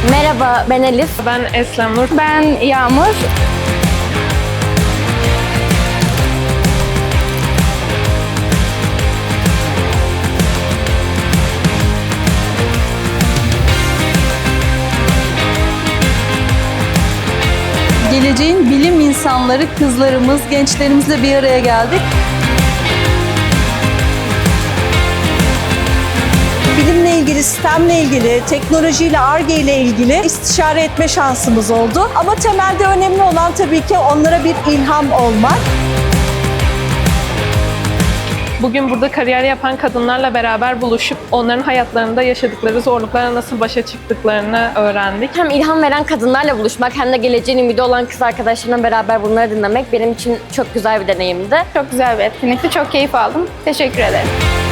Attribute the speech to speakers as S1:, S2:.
S1: Merhaba, ben Elif.
S2: Ben Eslem Nur.
S3: Ben Yağmur.
S4: Geleceğin bilim insanları, kızlarımız, gençlerimizle bir araya geldik. Bilimle ilgili, sistemle ilgili, teknolojiyle, Ar-Ge ile ilgili istişare etme şansımız oldu. Ama temelde önemli olan tabii ki onlara bir ilham olmak.
S2: Bugün burada kariyer yapan kadınlarla beraber buluşup onların hayatlarında yaşadıkları zorluklara nasıl başa çıktıklarını öğrendik.
S1: Hem ilham veren kadınlarla buluşmak hem de geleceğin ümidi olan kız arkadaşlarımla beraber bunları dinlemek benim için çok güzel bir deneyimdi.
S3: Çok güzel bir etkinlikti. Çok keyif aldım. Teşekkür ederim.